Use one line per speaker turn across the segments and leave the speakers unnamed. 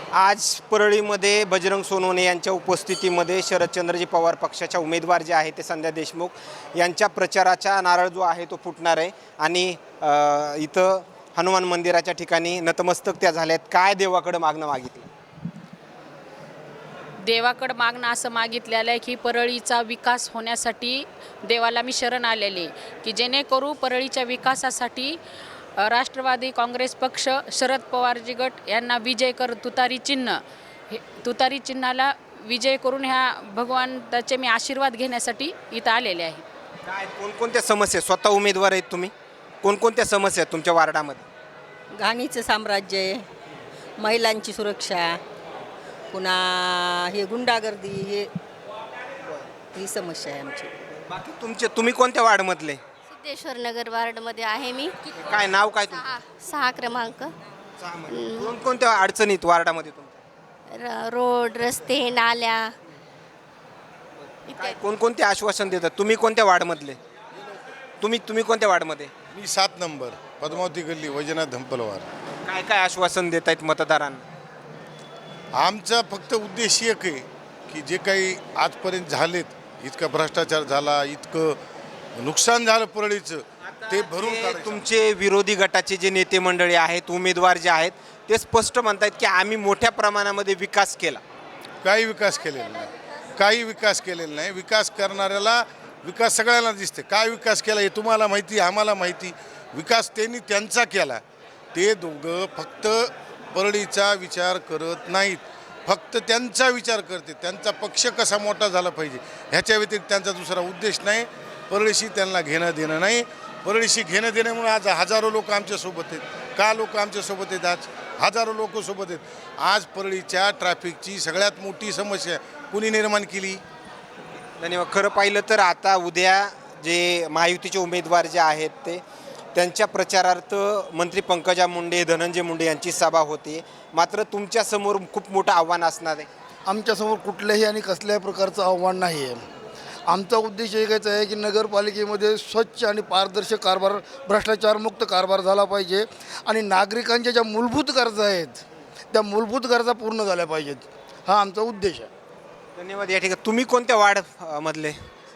आज परळीमध्ये बजरंग सोनवणे यांच्या उपस्थितीमध्ये शरदचंद्रजी पवार पक्षाच्या उमेदवार जे आहे ते संध्या देशमुख यांच्या प्रचाराचा नारळ जो आहे तो फुटणार आहे आणि इथं हनुमान मंदिराच्या ठिकाणी नतमस्तक त्या झाल्यात. काय देवाकडे मागणं मागितलं?
देवाकडं मागणं असं मागितलेलं आहे की परळीचा विकास होण्यासाठी देवाला मी शरण आलेले की जेणेकरू परळीच्या विकासासाठी राष्ट्रवादी काँग्रेस पक्ष शरद पवारजी गट यांना विजय कर तुतारी चिन्ह हे तुतारी चिन्हाला विजय करून ह्या भगवंताचे मी आशीर्वाद घेण्यासाठी इथं आलेले आहे.
काय कोणकोणत्या समस्या स्वतः उमेदवार आहेत तुम्ही? कोणकोणत्या समस्या आहेत तुमच्या वार्डामध्ये?
घाणीचं साम्राज्य आहे, महिलांची सुरक्षा, पुन्हा हे गुंडागर्दी, ही समस्या आहे आमची.
बाकी तुम्ही कोणत्या वार्डमधले?
सिद्धेश्वर नगर वार्डमध्ये आहे मी.
काय नाव काय तुमचं?
6 क्रमांक.
कोणकोणत्या अडचणीत वार्डामध्ये तुमच्या?
रोड, रस्ते, नाल्या.
काय कोणकोणते आश्वासन देतात? तुम्ही कोणत्या वार्डमधले? तुम्ही कोणत्या वार्डमध्ये?
मी 7 नंबर पद्मावती गल्ली वैजनाथ धंपलवार.
काय काय आश्वासन देत आहेत मतदारांना?
आमचा फक्त उद्देश एक आहे की जे काही आजपर्यंत झालेत, इतका भ्रष्टाचार झाला, इतकं नुकसान झालं परळीचं, ते भरून काढायचं.
तुमचे विरोधी गटाचे जे नेते मंडळी आहेत, उमेदवार जे आहेत, ते स्पष्ट म्हणतात की आम्ही मोठ्या प्रमाणामध्ये विकास केला.
काही विकास केलेला नाही, काही विकास केलेला नाही. विकास करणाऱ्याला विकास सगळ्यांना दिसते. काय विकास केला हे तुम्हाला माहिती, आम्हाला माहिती. विकास त्यांनी त्यांचा केला. ते दोघं फक्त परळीचा विचार करत नाहीत, फक्त त्यांचा विचार करते. त्यांचा पक्ष कसा मोठा झाला पाहिजे ह्याच्या व्यतिरिक्त त्यांचा दुसरा उद्देश नाही. परळीशी त्यांना घेणं देणं नाही. परळीशी घेणं देण्यामुळे आज हजारो लोक आमच्यासोबत आहेत. का लोक आमच्यासोबत आहेत? आज हजारो लोक सोबत आहेत. आज परळीच्या ट्रॅफिकची सगळ्यात मोठी समस्या कुणी निर्माण केली?
धन्यवाद. खरं पाहिलं तर आता उद्या जे महायुतीचे उमेदवार जे आहेत ते त्यांच्या प्रचारार्थ मंत्री पंकजा मुंडे, धनंजय मुंडे यांची सभा होती. मात्र तुमच्यासमोर खूप मोठं आव्हान असणार आहे.
आमच्यासमोर कुठल्याही आणि कसल्याही प्रकारचं आव्हान नाही आहे. आमचा उद्देश एकच आहे की नगरपालिकेमध्ये स्वच्छ आणि पारदर्शक कारभार, भ्रष्टाचारमुक्त कारभार झाला पाहिजे आणि नागरिकांच्या ज्या मूलभूत गरजा आहेत त्या मूलभूत गरजा पूर्ण झाल्या पाहिजेत. हा आमचा उद्देश आहे.
धन्यवाद. या ठिकाणी तुम्ही कोणत्या वार्ड मधले?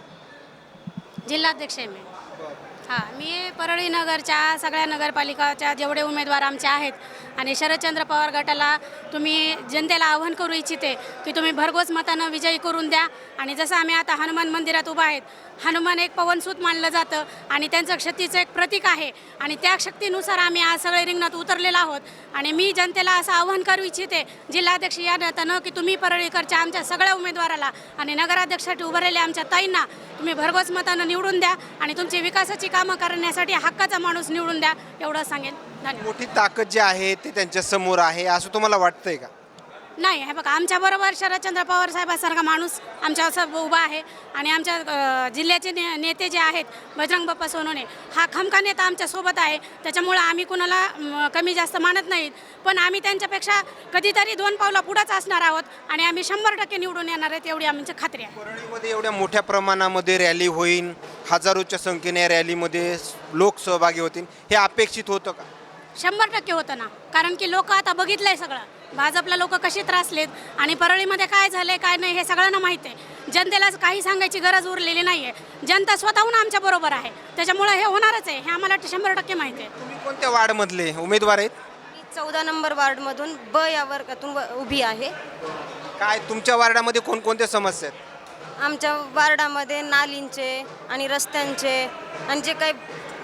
जिल्हाध्यक्ष आहे मी. हां, मी परळी नगरच्या सगळ्या नगरपालिकाच्या जेवढे उमेदवार आमचे आहेत आणि शरदचंद्र पवार गटाला तुम्ही जनतेला आव्हान करू इच्छिते की तुम्ही भरघोस मतानं विजयी करून द्या. आणि जसं आम्ही आता हनुमान मंदिरात उभा आहेत, हनुमान एक पवनसूत मानलं जातं आणि त्यांचं शक्तीचं एक प्रतीक आहे आणि त्या शक्तीनुसार आम्ही आज सगळे रिंगणात उतरलेलो आहोत. आणि मी जनतेला असं आव्हान करू इच्छिते जिल्हाध्यक्ष या नात्यानं की तुम्ही परळीकरच्या आमच्या सगळ्या उमेदवाराला आणि नगराध्यक्षासाठी उभारलेल्या आमच्या ताईंना तुम्ही भरघोस मतानं निवडून द्या आणि तुमची विकासाची कामं करण्यासाठी हक्काचा माणूस निवडून द्या, एवढं सांगेन. धन्यवाद.
मोठी ताकद जी आहे ते त्यांच्या समोर आहे असं तुम्हाला वाटतंय का?
नाही, हे बघा, आमच्याबरोबर शरदचंद्र पवार साहेबासारखा माणूस आमच्यासोबत उभा आहे आणि आमच्या जिल्ह्याचे नेते जे आहेत बजरंग बाप्पा सोनवणे हा खमका नेता आमच्यासोबत आहे. त्याच्यामुळं आम्ही कुणाला कमी जास्त मानत नाहीत, पण आम्ही त्यांच्यापेक्षा कधीतरी 2 पावलं पुढंच असणार आहोत आणि आम्ही 100% निवडून येणार आहेत एवढी आमची खात्री आहे.
परळीमध्ये एवढ्या मोठ्या प्रमाणामध्ये रॅली होईल, हजारोच्या संख्येने रॅलीमध्ये लोक सहभागी होतील, हे अपेक्षित होतं का?
100% होतं ना, कारण की लोक आता बघितलंय सगळं. भाजपला लोक कशी त्रासलेत आणि परळीमध्ये काय झालंय काय नाही हे सगळ्यांना माहीत आहे. जनतेला काही सांगायची गरज उरलेली नाही आहे. जनता स्वतःहून आमच्या बरोबर आहे, त्याच्यामुळे हे होणारच आहे, हे आम्हाला 100% माहिती आहे.
तुम्ही कोणत्या वार्डमधले उमेदवार आहेत?
मी 14 नंबर वार्डमधून ब या वर्गातून उभी आहे.
काय तुमच्या वार्डामध्ये कोणकोणत्या समस्या आहेत?
आमच्या वार्डामध्ये नालींचे आणि रस्त्यांचे आणि जे काही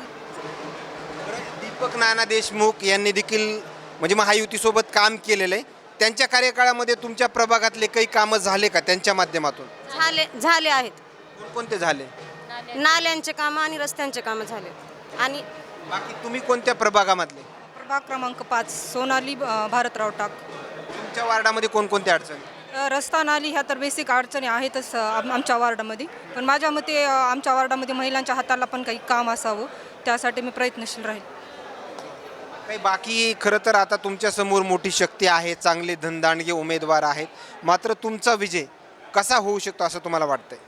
दीपक नाना देशमुख यांनी देखील म्हणजे महायुतीसोबत काम केलेलं आहे. त्यांच्या कार्यकाळामध्ये तुमच्या प्रभागातले काही कामं झाले का त्यांच्या माध्यमातून?
झाले आहेत.
कोणकोणते झाले?
नाल्यांचे कामं आणि रस्त्यांचे कामं झाले. आणि
बाकी तुम्ही कोणत्या प्रभागामधले?
प्रभाग क्रमांक 5 सोनाली भारतराव टाक.
तुमच्या वार्डामध्ये कोणकोणत्या अडचणी?
रस्ता नाली ह्या तर बेसिक अडचणी आहेतच आमच्या वार्डामध्ये, पण माझ्या मते आमच्या वार्डामध्ये महिलांच्या हाताला पण काही काम असावं, त्यासाठी मी प्रयत्नशील राहील.
काही बाकी खरं तर आता तुमच्यासमोर मोठी शक्ती आहे, चांगले धनदांडगे उमेदवार आहेत, मात्र तुमचा विजय कसा होऊ शकतो असं तुम्हाला वाटतंय?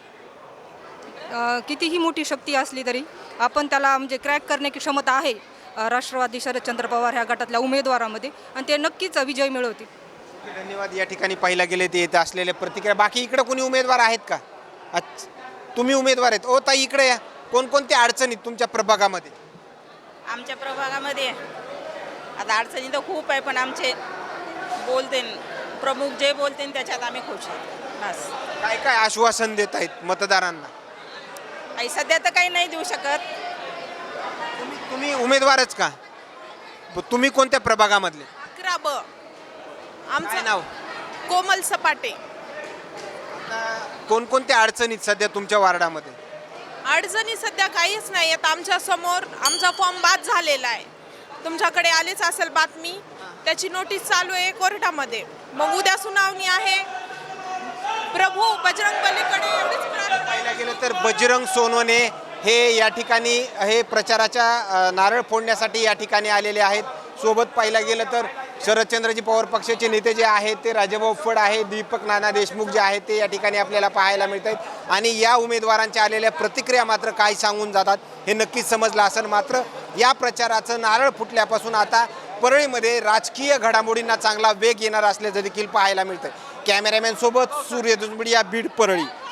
कितीही मोठी शक्ती असली तरी आपण त्याला म्हणजे क्रॅक करण्याची क्षमता आहे राष्ट्रवादी शरदचंद्र पवार ह्या गटातल्या उमेदवारामध्ये, आणि ते नक्कीच विजय मिळवतील.
धन्यवाद. या ठिकाणी पाहिला गेले ते येत असलेल्या प्रतिक्रिया. बाकी इकडे कोणी उमेदवार आहेत का? अच्छा, तुम्ही उमेदवार आहेत. ओ ताई इकडे या. कोणकोणत्या अडचणीत तुमच्या प्रभागामध्ये?
आमच्या प्रभागामध्ये आता अडचणी तर खूप आहे, पण आमचे बोलते प्रमुख जे बोलते त्याच्यात आम्ही खुश आहोत. बस
काय काय आश्वासन देत आहेत मतदारांना?
काही सध्या तर काही नाही देऊ शकत.
तुम्ही उमेदवारच का? तुम्ही कोणत्या प्रभागामधले?
11 ब
काय
आमचं
नाव?
कोमल सपाटे.
कोणकोणत्या अडचणीत सध्या तुमच्या वार्डामध्ये?
अडचणी सध्या काहीच नाही आहेत. आमच्या समोर आमचा फॉर्म बाद झालेला आहे. तुमच्याकडे आलीच असेल बातमी, त्याची नोटीस चालू आहे कोर्टामध्ये. मग उद्या सुनावणी आहे. प्रभू बजरंग बलीकडे एवढीच प्रार्थना.
पाहायला गेलं तर बजरंग सोनवणे हे या ठिकाणी हे प्रचाराच्या नारळ फोडण्यासाठी या ठिकाणी आलेले आहेत. सोबत पाहायला गेलं तर शरदचंद्रजी पवार पक्षाचे नेते जे आहेत ते राजाभाऊ फड आहे, दीपक नाना देशमुख जे आहेत ते या ठिकाणी आपल्याला पाहायला मिळत आहेत. आणि या उमेदवारांच्या आलेल्या प्रतिक्रिया मात्र काय सांगून जातात हे नक्कीच समजलं असेल. मात्र या प्रचाराचं नारळ फुटल्यापासून आता परळीमध्ये राजकीय घडामोडींना चांगला वेग येणार असल्याचं देखील पाहायला मिळतं. कॅमेरामॅन सोबत सूर्य दुसबडी, बीड, परळी.